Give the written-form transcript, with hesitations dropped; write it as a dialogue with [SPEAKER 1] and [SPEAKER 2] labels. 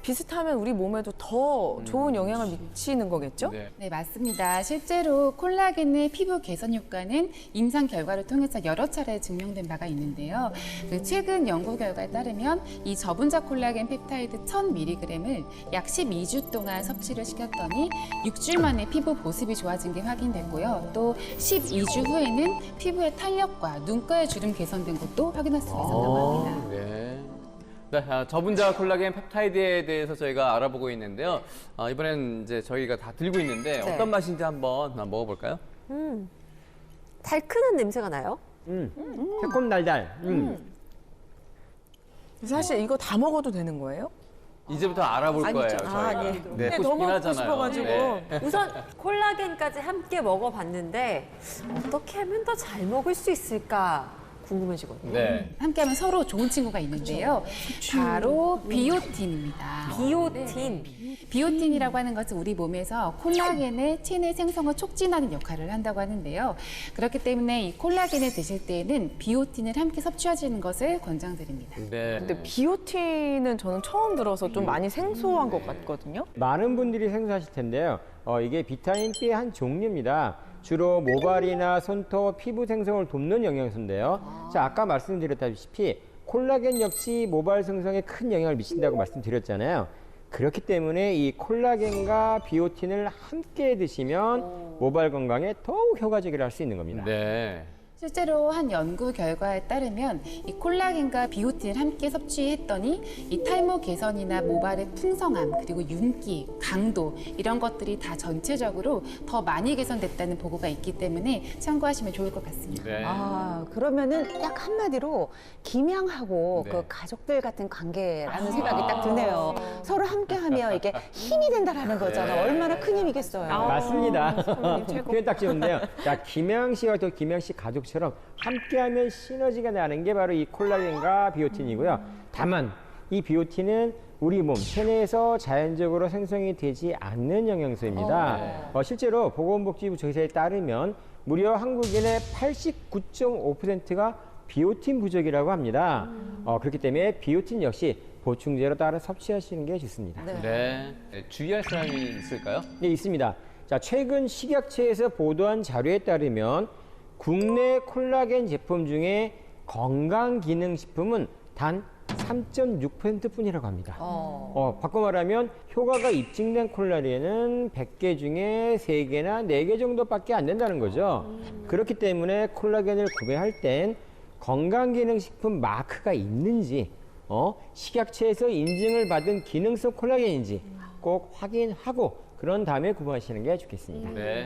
[SPEAKER 1] 비슷하면 우리 몸에도 더 좋은 영향을 미치는 거겠죠?
[SPEAKER 2] 네.
[SPEAKER 3] 네, 맞습니다. 실제로 콜라겐의 피부 개선 효과는 임상 결과를 통해서 여러 차례 증명된 바가 있는데요. 그 최근 연구 결과에 따르면 이 저분자 콜라겐 펩타이드 1000mg을 약 12주 동안 섭취를 시켰더니 6주일 만에 피부 보습이 좋아진 게 확인됐고요. 또 12주 후에는 피부의 탄력과 눈가의 주름 개선된 것도 확인할 수 있었다고 합니다.
[SPEAKER 2] 네. 네, 저분자 콜라겐 펩타이드에 대해서 저희가 알아보고 있는데요. 이번엔 이제 저희가 다 들고 있는데
[SPEAKER 4] 네.
[SPEAKER 2] 어떤 맛인지 한번 먹어볼까요?
[SPEAKER 4] 달큰한 냄새가 나요?
[SPEAKER 5] 새콤달달.
[SPEAKER 1] 사실 이거 다 먹어도 되는 거예요?
[SPEAKER 2] 이제부터 알아볼 거예요, 저희가.
[SPEAKER 4] 네.
[SPEAKER 2] 네,
[SPEAKER 1] 근데
[SPEAKER 2] 먹고
[SPEAKER 1] 너무
[SPEAKER 2] 싶긴
[SPEAKER 1] 먹고
[SPEAKER 2] 하잖아요.
[SPEAKER 1] 싶어가지고.
[SPEAKER 2] 네.
[SPEAKER 4] 우선 콜라겐까지 함께 먹어봤는데 어떻게 하면 더 잘 먹을 수 있을까 궁금해지거든요.
[SPEAKER 2] 네.
[SPEAKER 3] 함께하면 서로 좋은 친구가 있는데요. 바로 비오틴입니다.
[SPEAKER 4] 비오틴.
[SPEAKER 3] 비오틴이라고 하는 것은 우리 몸에서 콜라겐의 체내 생성을 촉진하는 역할을 한다고 하는데요. 그렇기 때문에 이 콜라겐을 드실 때에는 비오틴을 함께 섭취하시는 것을 권장드립니다.
[SPEAKER 2] 네.
[SPEAKER 1] 근데 비오틴은 저는 처음 들어서 좀 많이 생소한 것 같거든요.
[SPEAKER 5] 많은 분들이 생소하실 텐데요. 이게 비타민 B의 한 종류입니다. 주로 모발이나 손톱, 피부 생성을 돕는 영양소인데요. 자, 아까 말씀드렸다시피 콜라겐 역시 모발 생성에 큰 영향을 미친다고 말씀드렸잖아요. 그렇기 때문에 이 콜라겐과 비오틴을 함께 드시면 모발 건강에 더욱 효과적이라 할 수 있는 겁니다.
[SPEAKER 2] 네.
[SPEAKER 3] 실제로 한 연구 결과에 따르면 이 콜라겐과 비오틴을 함께 섭취했더니 이 탈모 개선이나 모발의 풍성함 그리고 윤기, 강도 이런 것들이 다 전체적으로 더 많이 개선됐다는 보고가 있기 때문에 참고하시면 좋을 것 같습니다.
[SPEAKER 2] 네.
[SPEAKER 6] 아, 그러면은 딱 한마디로 김양하고
[SPEAKER 2] 네.
[SPEAKER 6] 그 가족들 같은 관계라는 생각이 딱 드네요. 서로 함께하면 이게 힘이 된다라는 거잖아. 얼마나 큰 힘이겠어요.
[SPEAKER 5] 맞습니다. 표현 딱 좋은데요. 자, 김양 씨와 또 김양 씨 가족처럼 함께하면 시너지가 나는 게 바로 이 콜라겐과 비오틴이고요. 다만 이 비오틴은 우리 몸 체내에서 자연적으로 생성이 되지 않는 영양소입니다. 실제로 보건복지부 조사에 따르면 무려 한국인의 89.5%가 비오틴 부족이라고 합니다. 그렇기 때문에 비오틴 역시 보충제로 따로 섭취하시는 게 좋습니다.
[SPEAKER 2] 네. 주의할 사람이 있을까요?
[SPEAKER 5] 네, 있습니다. 자, 최근 식약처에서 보도한 자료에 따르면 국내 콜라겐 제품 중에 건강기능식품은 단 3.6% 뿐이라고 합니다. 바꿔 말하면 효과가 입증된 콜라겐은 100개 중에 3개나 4개 정도밖에 안 된다는 거죠. 그렇기 때문에 콜라겐을 구매할 땐 건강기능식품 마크가 있는지 식약처에서 인증을 받은 기능성 콜라겐인지 꼭 확인하고 그런 다음에 구매하시는 게 좋겠습니다.
[SPEAKER 2] 네.